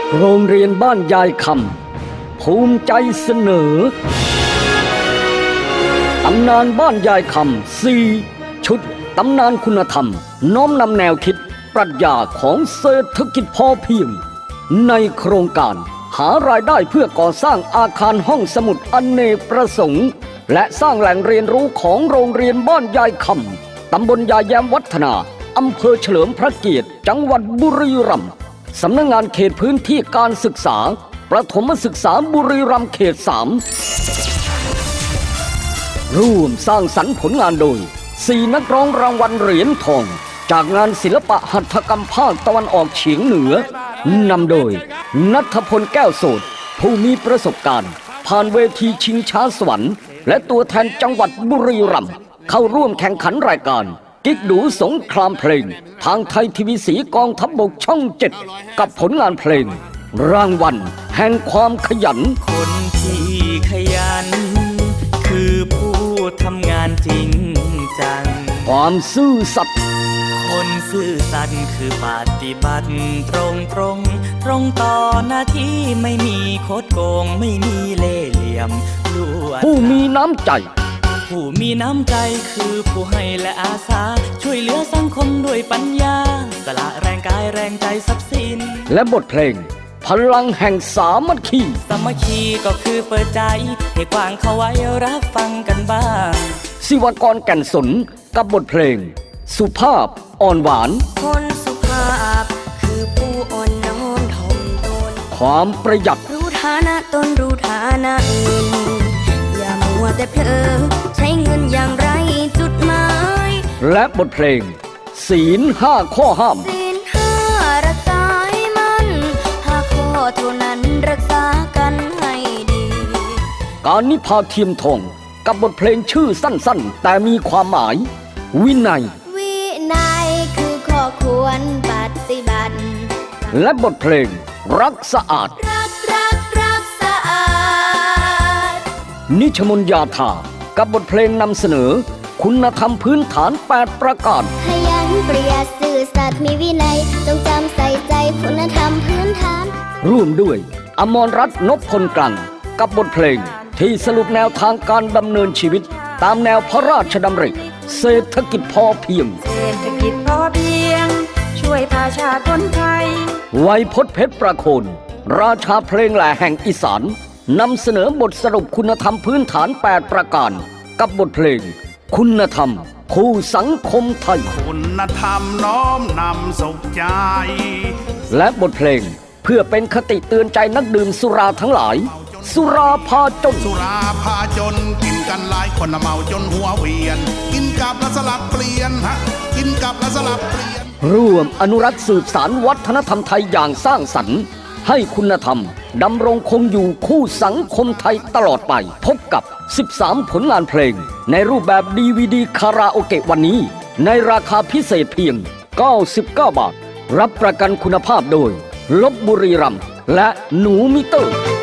โรงเรียนบ้านยายคำภูมิใจเสนอตำนานบ้านยายคำ4ชุดตำนานคุณธรรมน้อมนำแนวคิดปรัชญาของเศรษฐกิจพอเพียงในโครงการหารายได้เพื่อก่อสร้างอาคารห้องสมุดอเนกประสงค์และสร้างแหล่งเรียนรู้ของโรงเรียนบ้านยายคำตำบลยายแย้มวัฒนาอำเภอเฉลิมพระเกียรติจังหวัดบุรีรัมย์สำนักงานเขตพื้นที่การศึกษาประถมศึกษาบุรีรัมย์เขต 3ร่วมสร้างสรรค์ผลงานโดย4นักร้องรางวัลเหรียญทองจากงานศิลปะหัตถกรรมภาคตะวันออกเฉียงเหนือนำโดยณัฐพลแก้วโสดผู้มีประสบการณ์ผ่านเวทีชิงช้าสวรรค์และตัวแทนจังหวัดบุรีรัมย์เข้าร่วมแข่งขันรายการกิ๊กดูสงครามเพลงทางไทยทีวีสีกองทัพบกช่อง 7กับผลงานเพลงรางวัลแห่งความขยันคนที่ขยันคือผู้ทำงานจริงจังความซื่อสัตย์คนซื่อสัตย์คือปฏิบัติตรงต่อหน้าที่ไม่มีโคดโกงไม่มีเล่ห์เหลี่ยมลวงผู้มีน้ำใจผู้มีน้ำใจคือผู้ให้และอาสาช่วยเหลือสังคมด้วยปัญญาสละแรงกายแรงใจทรัพย์สินและบทเพลงพลังแห่งสามัคคีสามัคคีก็คือเปิดใจให้กว้างเข้าไว้รับฟังกันบ้างศิวกรแก่นสนกับบทเพลงสุภาพอ่อนหวานคนสุภาพคือผู้อ่อนน้อมถ่อมตนความประหยัดรู้ฐานะตนรู้ฐานะอื่นอย่ามัวแต่เพลินใช้เงินอย่างไรจุดหมายและบทเพลงศีล5ข้อห้ามศีล5รักษาให้มัน5ข้อเท่านั้นรักษากันให้ดีการนิพาเทียมทองกับบทเพลงชื่อสั้นๆแต่มีความหมายวินัยคือข้อควรปฏิบัติและบทเพลงรักสะอาดรักสะอาดนิชมนยาธากับบทเพลงนำเสนอคุณธรรมพื้นฐาน8ประการขยันประหยัดซื่อสัตย์มีวินัยจงจำใส่ใจคุณธรรมพื้นฐานร่วมด้วยอมรรัตน์นพพลกลั่นกับบทเพลงที่สรุปแนวทางการดำเนินชีวิตตามแนวพระราชดำริเศรษฐกิจพอเพียงเศรษฐกิจพอเพียงช่วยประชาชนไทยไวยพจน์เพชรประโคนราชาเพลงแหล่แห่งอีสานนำเสนอบทสรุปคุณธรรมพื้นฐาน8ประการกับบทเพลงคุณธรรมคู่สังคมไทยคุณธรรมน้อมนำสุขใจและบทเพลงเพื่อเป็นคติเตือนใจนักดื่มสุราทั้งหลายสุราพาจนสุราพาจนกินกันหลายคนเมาจนหัวเวียนกินกับแล้วสลับเปลี่ยนกินกับแล้วสลับเปลี่ยนร่วมอนุรักษ์สืบสานวัฒนธรรมไทยอย่างสร้างสรรค์ให้คุณธรรมดำรงคงอยู่คู่สังคมไทยตลอดไปพบกับ13ผลงานเพลงในรูปแบบ DVD คาราโอเกะวันนี้ในราคาพิเศษเพียง99 บาทรับประกันคุณภาพโดยลพบุรีรัมย์และหนูมิเตอร์